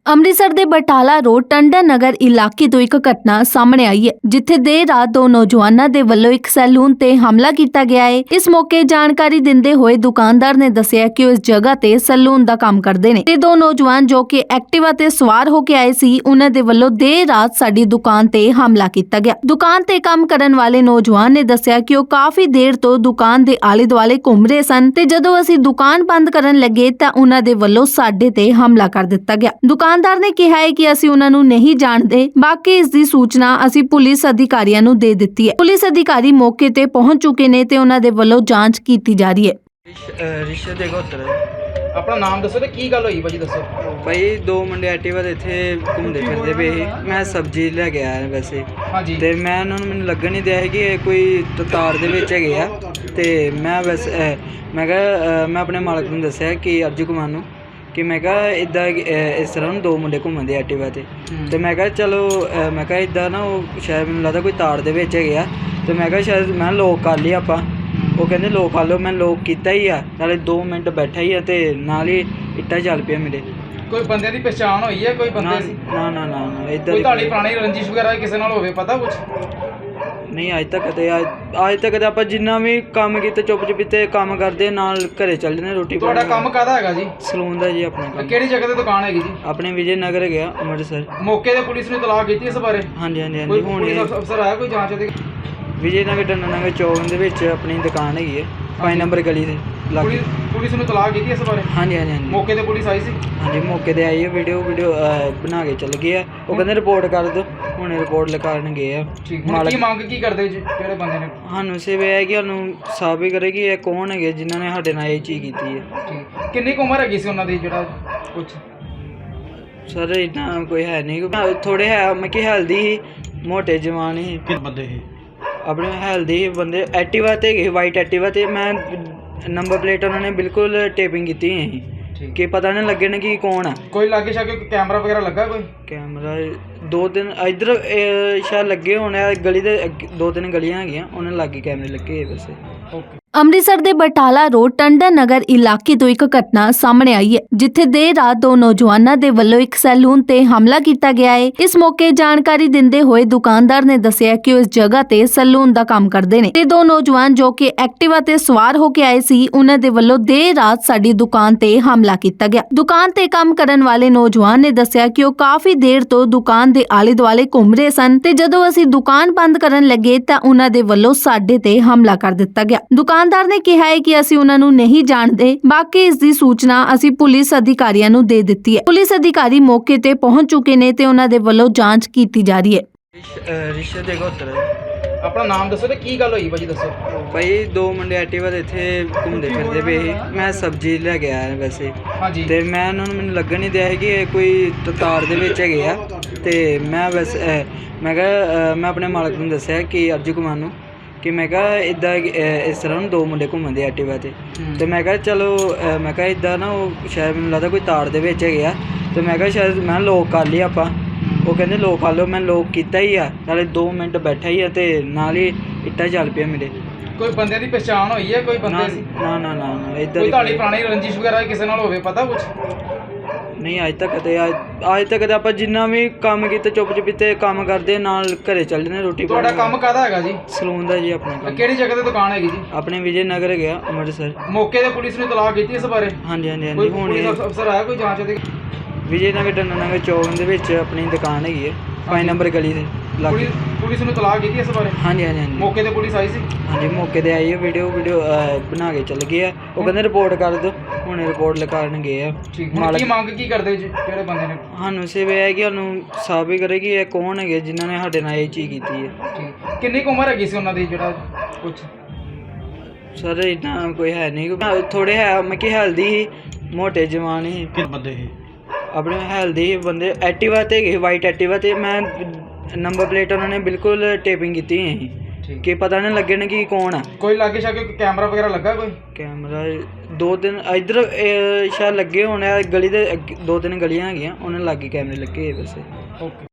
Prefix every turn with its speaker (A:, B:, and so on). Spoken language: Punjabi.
A: ਅੰਮ੍ਰਿਤਸਰ ਦੇ ਬਟਾਲਾ ਰੋਡ ਟੰਡਨ ਨਗਰ ਇਲਾਕੇ ਤੋਂ ਇੱਕ ਘਟਨਾ ਸਾਹਮਣੇ ਆਈ ਹੈ, ਜਿੱਥੇ ਦੇਰ ਰਾਤ ਦੋ ਨੌਜਵਾਨਾਂ ਦੇ ਵੱਲੋਂ ਇੱਕ ਸੈਲੂਨ ਤੇ ਹਮਲਾ ਕੀਤਾ ਗਿਆ ਹੈ। ਇਸ ਮੌਕੇ ਜਾਣਕਾਰੀ ਦਿੰਦੇ ਹੋਏ ਦੁਕਾਨਦਾਰ ਨੇ ਦੱਸਿਆ ਕਿ ਉਹ ਇਸ ਜਗ੍ਹਾ ਤੇ ਸੈਲੂਨ ਦਾ ਕੰਮ ਕਰਦੇ ਨੇ ਤੇ ਦੋ ਨੌਜਵਾਨ ਜੋ ਕਿ ਐਕਟਿਵਾ ਤੇ ਸਵਾਰ ਹੋ ਕੇ ਆਏ ਸੀ, ਉਹਨਾਂ ਦੇ ਵੱਲੋਂ ਦੇਰ ਰਾਤ ਸਾਡੀ ਦੁਕਾਨ ਤੇ ਹਮਲਾ ਕੀਤਾ ਗਿਆ। ਦੁਕਾਨ ਤੇ ਕੰਮ ਕਰਨ ਵਾਲੇ ਨੌਜਵਾਨ ਨੇ ਦੱਸਿਆ ਕਿ ਉਹ ਕਾਫੀ ਦੇਰ ਤੋਂ ਦੁਕਾਨ ਦੇ ਆਲੇ ਦੁਆਲੇ ਘੁੰਮ ਰਹੇ ਸਨ ਤੇ ਜਦੋਂ ਅਸੀਂ ਦੁਕਾਨ ਬੰਦ ਕਰਨ ਲੱਗੇ ਤਾਂ ਉਹਨਾਂ ਦੇ ਵੱਲੋਂ ਸਾਡੇ ਤੇ ਹਮਲਾ ਕਰ ਦਿੱਤਾ ਗਿਆ। ਦੁਕਾਨਦਾਰ ਨੇ ਕਿਹਾ ਹੈ ਕਿ ਅਸੀਂ ਉਹਨਾਂ ਨੂੰ ਨਹੀਂ ਜਾਣਦੇ, ਬਾਕੀ ਇਸ ਦੀ ਸੂਚਨਾ ਅਸੀਂ ਪੁਲਿਸ ਅਧਿਕਾਰੀਆਂ ਨੂੰ ਦੇ ਦਿੱਤੀ ਹੈ। ਪੁਲਿਸ ਅਧਿਕਾਰੀ ਮੌਕੇ ਤੇ ਪਹੁੰਚ ਚੁੱਕੇ ਨੇ ਤੇ ਉਹਨਾਂ ਦੇ ਵੱਲੋਂ ਜਾਂਚ ਕੀਤੀ ਜਾ ਰਹੀ ਹੈ।
B: ਰਿਸ਼ੇ ਦੇ ਘੋਤਰ
C: ਆਪਣਾ ਨਾਮ ਦੱਸੋ ਤੇ ਕੀ ਗੱਲ ਹੋਈ ਭਾਜੀ ਦੱਸੋ।
B: ਭਾਈ ਦੋ ਮੁੰਡੇ ਐਕਟਿਵਾ ਤੇ ਇੱਥੇ ਘੁੰਮਦੇ ਫਿਰਦੇ ਪਏ ਸੀ। ਮੈਂ ਸਬਜ਼ੀ ਲੈ ਕੇ ਆਇਆ ਵੈਸੇ
C: ਹਾਂਜੀ
B: ਤੇ ਮੈਂ ਉਹਨਾਂ ਨੂੰ ਮੈਨੂੰ ਲੱਗਣ ਨਹੀਂ ਦਿਆ ਸੀ ਕਿ ਇਹ ਕੋਈ ਤਾਰ ਦੇ ਵਿੱਚ ਹੈਗੇ ਆ ਤੇ ਮੈਂ ਵੈਸੇ ਮੈਂ ਕਿਹਾ ਮੈਂ ਆਪਣੇ ਮਾਲਕ ਨੂੰ ਦੱਸਿਆ ਕਿ ਅਰਜੂ ਕੁਮਾਰ ਨੂੰ ਕਿ ਮੈਂ ਕਿਹਾ ਇੱਦਾਂ ਇਸ ਤਰ੍ਹਾਂ ਨੂੰ ਦੋ ਮੁੰਡੇ ਘੁੰਮਦੇ ਐਕਟਿਵਾ ਤੇ ਮੈਂ ਕਿਹਾ ਚਲੋ ਮੈਂ ਕਿਹਾ ਇੱਦਾਂ ਨਾ ਉਹ ਸ਼ਾਇਦ ਮੈਨੂੰ ਲੱਗਦਾ ਕੋਈ ਤਾਰ ਦੇ ਵਿੱਚ ਹੈਗੇ ਆ ਤੇ ਮੈਂ ਕਿਹਾ ਸ਼ਾਇਦ ਮੈਂ ਲੋਕ ਕਰ ਲਈ ਆਪਾਂ। ਉਹ ਕਹਿੰਦੇ ਲੋਕ ਕਰ ਲਓ, ਮੈਂ ਲੋਕ ਕੀਤਾ ਹੀ ਆ, ਨਾਲੇ 2 ਮਿੰਟ ਬੈਠਾ ਹੀ ਆ ਤੇ ਨਾਲ ਹੀ ਇੱਟਾਂ ਚੱਲ ਪਿਆ ਮੇਰੇ।
C: ਕੋਈ ਬੰਦੇ ਦੀ ਪਛਾਣ ਹੋਈ ਹੈ? ਕੋਈ ਬੰਦੇ ਸੀ?
B: ਨਾ ਇੱਦਾਂ
C: ਕੋਈ ਤੁਹਾਡੀ ਪੁਰਾਣੀ ਰੰਜਿਸ਼ ਵਗੈਰਾ ਕਿਸੇ ਨਾਲ ਹੋਵੇ ਪਤਾ ਕੁਝ?
B: ਨਹੀਂ ਅੱਜ ਤੱਕ ਤੇ ਆਪਾਂ ਜਿੰਨਾ ਵੀ ਕੰਮ ਕੀਤਾ ਚੁੱਪ ਚੁਪੀਤੇ ਕੰਮ ਕਰਦੇ ਨਾਲ ਘਰੇ ਚੱਲ ਜਾਂਦੇ ਰੋਟੀ।
C: ਤੁਹਾਡਾ ਕੰਮ ਕਾਹਦਾ ਹੈਗਾ ਜੀ?
B: ਸਲੂਨ ਦਾ ਜੀ ਆਪਣਾ ਕੰਮ।
C: ਕਿਹੜੀ ਜਗ੍ਹਾ ਤੇ ਦੁਕਾਨ ਹੈਗੀ ਜੀ?
B: ਆਪਣੇ ਵਿਜੇ ਨਗਰ ਗਿਆ ਅੰਮ੍ਰਿਤਸਰ।
C: ਮੌਕੇ ਤੇ ਪੁਲਿਸ ਨੇ ਇਤਲਾਹ ਕੀਤੀ ਇਸ ਬਾਰੇ?
B: ਹਾਂਜੀ
C: ਕੋਈ
B: ਹੁਣ
C: ਪੁਲਿਸ ਅਫਸਰ ਆਇਆ ਕੋਈ ਜਾਂਚ ਦੇ?
B: ਵਿਜੇ ਨਗਰ ਟੰਡਨ ਨਗਰ ਚੌਕ ਦੇ ਵਿੱਚ ਆਪਣੀ ਦੁਕਾਨ ਹੈਗੀ ਹੈ 5 ਨੰਬਰ ਗਲੀ ਦੇ ਲਾਗੇ।
C: ਪੁਲਿਸ ਨੂੰ ਇਤਲਾਹ ਕੀਤੀ ਇਸ ਬਾਰੇ?
B: ਹਾਂਜੀ
C: ਮੌਕੇ ਤੇ ਪੁਲਿਸ ਆਈ ਸੀ?
B: ਹਾਂਜੀ ਮੌਕੇ ਤੇ ਆਈ ਹੈ, ਵੀਡੀਓ ਬਣਾ ਕੇ ਚੱਲ ਗਏ ਆ। ਉਹ ਕਹਿੰਦੇ ਰਿਪੋਰਟ ਕਰ ਦਿਓ, ਹੁਣ ਰਿਪੋਰਟ ਲਿਖਾਉਣ ਗਏ ਆ।
C: ਕੀ ਮੰਗ ਕੀ ਕਰਦੇ ਜੀ ਕਿਹੜੇ ਬੰਦੇ ਨੇ?
B: ਸਾਨੂੰ ਸਿਰਫ ਇਹ ਹੈ ਕਿ ਸਾਨੂੰ ਸਾਬਿਤ ਕਰੇ ਕਿ ਇਹ ਕੌਣ ਹੈਗੇ ਜਿਨ੍ਹਾਂ ਨੇ ਸਾਡੇ ਨਾਲ ਇਹ ਚੀਜ਼ ਕੀਤੀ ਹੈ।
C: ਕਿੰਨੀ ਕੁ ਉਮਰ ਹੈਗੀ ਸੀ ਉਹਨਾਂ ਦੀ ਜਿਹੜਾ ਕੁਝ?
B: ਸਰ ਇੰਨਾ ਕੋਈ ਹੈ ਨਹੀਂ, ਥੋੜੇ ਹੈ ਮੈਂ ਕਿ ਹੈਲਦੀ ਸੀ, ਮੋਟੇ ਜਵਾਨ ਸੀ।
C: ਕਿੰਨੇ ਬੰਦੇ ਸੀ?
B: ਆਪਣੇ ਹੈਲਦੀ ਬੰਦੇ ਐਕਟਿਵਾ ਤੇ ਗਏ, ਵਾਈਟ ਐਕਟਿਵਾ ਤੇ। ਮੈਂ ਨੰਬਰ ਪਲੇਟ ਉਹਨਾਂ ਨੇ ਬਿਲਕੁਲ ਟੇਪਿੰਗ ਕੀਤੀ ਹੋਈ ਸੀ ਕਿ ਪਤਾ ਨਹੀਂ ਲੱਗੇ ਨਾ ਕਿ ਕੌਣ ਆ।
C: ਕੋਈ ਲਾਗੇ ਸ਼ਾਗੇ ਕੈਮਰਾ ਵਗੈਰਹ ਲੱਗਾ? ਕੋਈ
B: ਕੈਮਰਾ 2-3 ਇੱਧਰ ਸ਼ਾਇਦ ਲੱਗੇ ਹੋਣੇ ਆ, ਗਲੀ ਦੇ 2-3 ਗਲੀਆਂ ਹੈਗੀਆਂ ਉਹਨਾਂ ਲਾਗੇ ਕੈਮਰੇ ਲੱਗੇ ਹੋਏ ਵੈਸੇ।
C: ਓਕੇ।
A: ਅੰਮ੍ਰਿਤਸਰ ਦੇ ਬਟਾਲਾ ਰੋਡ ਟੰਡਨ ਨਗਰ ਇਲਾਕੇ ਤੋਂ ਇੱਕ ਘਟਨਾ ਸਾਹਮਣੇ ਆਈ ਹੈ, ਜਿੱਥੇ ਦੇਰ ਰਾਤ ਦੋ ਨੌਜਵਾਨਾਂ ਦੇ ਵੱਲੋਂ ਇੱਕ ਸੈਲੂਨ ਤੇ ਹਮਲਾ ਕੀਤਾ ਗਿਆ ਹੈ। ਇਸ ਮੌਕੇ ਜਾਣਕਾਰੀ ਦਿੰਦੇ ਹੋਏ ਦੁਕਾਨਦਾਰ ਨੇ ਦੱਸਿਆ ਕਿ ਉਹ ਇਸ ਜਗ੍ਹਾ ਤੇ ਸੈਲੂਨ ਦਾ ਕੰਮ ਕਰਦੇ ਨੇ ਤੇ ਦੋ ਨੌਜਵਾਨ ਜੋ ਕਿ ਐਕਟਿਵਾ ਤੇ ਸਵਾਰ ਹੋ ਕੇ ਆਏ ਸੀ, ਉਹਨਾਂ ਦੇ ਵੱਲੋਂ ਦੇਰ ਰਾਤ ਸਾਡੀ ਦੁਕਾਨ ਤੇ ਹਮਲਾ ਕੀਤਾ ਗਿਆ। ਦੁਕਾਨ ਤੇ ਕੰਮ ਕਰਨ ਵਾਲੇ ਨੌਜਵਾਨ ਨੇ ਦੱਸਿਆ ਕਿ ਉਹ ਕਾਫੀ ਦੇਰ ਤੋਂ ਦੁਕਾਨ ਦੇ ਆਲੇ ਦੁਆਲੇ ਘੁੰਮ ਰਹੇ ਸਨ ਤੇ ਜਦੋਂ ਅਸੀਂ ਦੁਕਾਨ ਬੰਦ ਕਰਨ ਲੱਗੇ ਤਾਂ ਉਹਨਾਂ ਦੇ ਵੱਲੋਂ ਸਾਡੇ ਤੇ ਹਮਲਾ ਕਰ ਦਿੱਤਾ ਗਿਆ। ਦੁਕਾਨਦਾਰ ਨੇ ਕਿਹਾ ਹੈ ਕਿ ਅਸੀਂ ਉਹਨਾਂ ਨੂੰ ਨਹੀਂ ਜਾਣਦੇ, ਬਾਕੀ ਇਸ ਦੀ ਸੂਚਨਾ ਅਸੀਂ ਪੁਲਿਸ ਅਧਿਕਾਰੀਆਂ ਨੂੰ ਦੇ ਦਿੱਤੀ ਹੈ। ਪੁਲਿਸ ਅਧਿਕਾਰੀ ਮੌਕੇ ਤੇ ਪਹੁੰਚ ਚੁੱਕੇ ਨੇ ਤੇ ਉਹਨਾਂ ਦੇ ਵੱਲੋਂ ਜਾਂਚ ਕੀਤੀ ਜਾ ਰਹੀ ਹੈ।
B: ਰਿਸ਼ੇ ਦੇ ਘੋਤਰ
C: ਆਪਣਾ ਨਾਮ ਦੱਸੋ ਤੇ ਕੀ ਗੱਲ ਹੋਈ ਭਾਜੀ ਦੱਸੋ।
B: ਭਾਈ ਦੋ ਮੁੰਡੇ ਐਕਟਿਵਾ ਤੇ ਇੱਥੇ ਘੁੰਮਦੇ ਫਿਰਦੇ ਪਏ ਸੀ। ਮੈਂ ਸਬਜ਼ੀ ਲੈ ਕੇ ਆਇਆ ਵੈਸੇ
C: ਹਾਂਜੀ
B: ਤੇ ਮੈਂ ਉਹਨਾਂ ਨੂੰ ਮੈਨੂੰ ਲੱਗਣ ਨਹੀਂ ਦਿਆ ਸੀ ਕਿ ਇਹ ਕੋਈ ਤਾਰ ਦੇ ਵਿੱਚ ਹੈਗੇ ਆ ਤੇ ਮੈਂ ਵੈਸੇ ਮੈਂ ਕਿਹਾ ਮੈਂ ਆਪਣੇ ਮਾਲਕ ਨੂੰ ਦੱਸਿਆ ਕਿ ਅਰਜੂ ਕੁਮਾਰ ਨੂੰ ਕਿ ਮੈਂ ਕਿਹਾ ਇੱਦਾਂ ਇਸ ਤਰ੍ਹਾਂ ਨੂੰ ਦੋ ਮੁੰਡੇ ਘੁੰਮਦੇ ਐਕਟਿਵਾ ਤੇ ਮੈਂ ਕਿਹਾ ਚਲੋ ਮੈਂ ਕਿਹਾ ਇੱਦਾਂ ਨਾ ਉਹ ਸ਼ਾਇਦ ਮੈਨੂੰ ਲੱਗਦਾ ਕੋਈ ਤਾਰ ਦੇ ਵਿੱਚ ਹੈਗੇ ਆ ਤੇ ਮੈਂ ਕਿਹਾ ਸ਼ਾਇਦ ਮੈਂ ਲੋਕ ਕਰ ਲਈ ਆਪਾਂ। ਉਹ ਕਹਿੰਦੇ ਲੋਕ ਕਰ ਲਓ, ਮੈਂ ਲੋਕ ਕੀਤਾ ਹੀ ਆ, ਨਾਲੇ 2 ਮਿੰਟ ਬੈਠਾ ਹੀ ਆ ਤੇ ਨਾਲ ਹੀ ਇੱਟਾਂ ਚੱਲ ਪਿਆ ਮੇਰੇ।
C: ਕੋਈ ਬੰਦੇ ਦੀ ਪਛਾਣ ਹੋਈ ਹੈ? ਕੋਈ ਬੰਦੇ ਸੀ?
B: ਨਾ ਇੱਦਾਂ
C: ਕੋਈ ਤੁਹਾਡੀ ਪੁਰਾਣੀ ਰੰਜਿਸ਼ ਵਗੈਰਾ ਕਿਸੇ ਨਾਲ ਹੋਵੇ ਪਤਾ ਕੁਝ?
B: ਨਹੀਂ ਅੱਜ ਤੱਕ ਤੇ ਆਪਾਂ ਜਿੰਨਾ ਵੀ ਕੰਮ ਕੀਤਾ ਚੁੱਪ ਚੁਪੀਤੇ ਕੰਮ ਕਰਦੇ ਨਾਲ ਘਰੇ ਚੱਲ ਜਾਂਦੇ ਰੋਟੀ।
C: ਤੁਹਾਡਾ ਕੰਮ ਕਾਹਦਾ ਹੈਗਾ ਜੀ?
B: ਸਲੂਨ ਦਾ ਜੀ ਆਪਣਾ ਕੰਮ।
C: ਕਿਹੜੀ ਜਗ੍ਹਾ ਤੇ ਦੁਕਾਨ ਹੈਗੀ ਜੀ?
B: ਆਪਣੇ ਵਿਜੇ ਨਗਰ ਗਿਆ ਅੰਮ੍ਰਿਤਸਰ।
C: ਮੌਕੇ ਤੇ ਪੁਲਿਸ ਨੇ ਇਤਲਾਹ ਕੀਤੀ ਇਸ ਬਾਰੇ?
B: ਹਾਂਜੀ
C: ਕੋਈ
B: ਹੁਣ
C: ਪੁਲਿਸ ਅਫਸਰ ਆਇਆ ਕੋਈ ਜਾਂਚ ਦੇ?
B: ਵਿਜੇ ਨਗਰ ਟੰਡਨ ਨਗਰ ਚੌਕ ਦੇ ਵਿੱਚ ਆਪਣੀ ਦੁਕਾਨ ਹੈਗੀ ਹੈ 5 ਨੰਬਰ ਗਲੀ ਦੇ ਲਾਗੇ।
C: ਪੁਲਿਸ ਨੂੰ ਇਤਲਾਹ ਕੀਤੀ ਇਸ ਬਾਰੇ?
B: ਹਾਂਜੀ
C: ਮੌਕੇ ਤੇ ਪੁਲਿਸ ਆਈ ਸੀ?
B: ਹਾਂਜੀ ਮੌਕੇ ਤੇ ਆਈ ਹੈ, ਵੀਡੀਓ ਬਣਾ ਕੇ ਚੱਲ ਗਏ ਆ। ਉਹ ਕਹਿੰਦੇ ਰਿਪੋਰਟ ਕਰ ਦਿਓ, ਹੁਣ ਰਿਪੋਰਟ ਲਿਖਾਉਣ ਗਏ ਆ।
C: ਕੀ ਮੰਗ ਕੀ ਕਰਦੇ ਜੀ ਕਿਹੜੇ ਬੰਦੇ ਨੇ?
B: ਸਾਨੂੰ ਸਿਰਫ ਇਹ ਹੈ ਕਿ ਸਾਨੂੰ ਸਾਬਿਤ ਕਰੇ ਕਿ ਇਹ ਕੌਣ ਹੈਗੇ ਜਿਨ੍ਹਾਂ ਨੇ ਸਾਡੇ ਨਾਲ ਇਹ ਚੀਜ਼ ਕੀਤੀ ਹੈ।
C: ਕਿੰਨੀ ਕੁ ਉਮਰ ਹੈਗੀ ਸੀ ਉਹਨਾਂ ਦੀ ਜਿਹੜਾ ਕੁਝ?
B: ਸਰ ਇੰਨਾ ਕੋਈ ਹੈ ਨਹੀਂ, ਥੋੜੇ ਹੈ ਮੈਂ ਕਿ ਹੈਲਦੀ ਸੀ, ਮੋਟੇ ਜਵਾਨ ਸੀ।
C: ਕਿੰਨੇ ਬੰਦੇ ਸੀ?
B: ਆਪਣੇ ਹੈਲਦੀ ਬੰਦੇ ਐਕਟਿਵਾ ਤੇ ਗਏ, ਵਾਈਟ ਐਕਟਿਵਾ ਤੇ। ਮੈਂ ਨੰਬਰ ਪਲੇਟ ਉਹਨਾਂ ਨੇ ਬਿਲਕੁਲ ਟੇਪਿੰਗ ਕੀਤੀ ਹੋਈ ਸੀ ਕਿ ਪਤਾ ਨਹੀਂ ਲੱਗੇ ਨਾ ਕਿ ਕੌਣ ਆ।
C: ਕੋਈ ਲਾਗੇ ਸ਼ਾਗੇ ਕੈਮਰਾ ਵਗੈਰਾ ਲੱਗਾ? ਕੋਈ
B: ਕੈਮਰਾ 2-3 ਇੱਧਰ ਸ਼ਾਇਦ ਲੱਗੇ ਹੋਣੇ ਆ, ਗਲੀ ਦੇ 2-3 ਗਲੀਆਂ ਹੈਗੀਆਂ ਉਹਨਾਂ ਲਾਗੇ ਕੈਮਰੇ ਲੱਗੇ ਹੋਏ ਵੈਸੇ।
C: ਓਕੇ।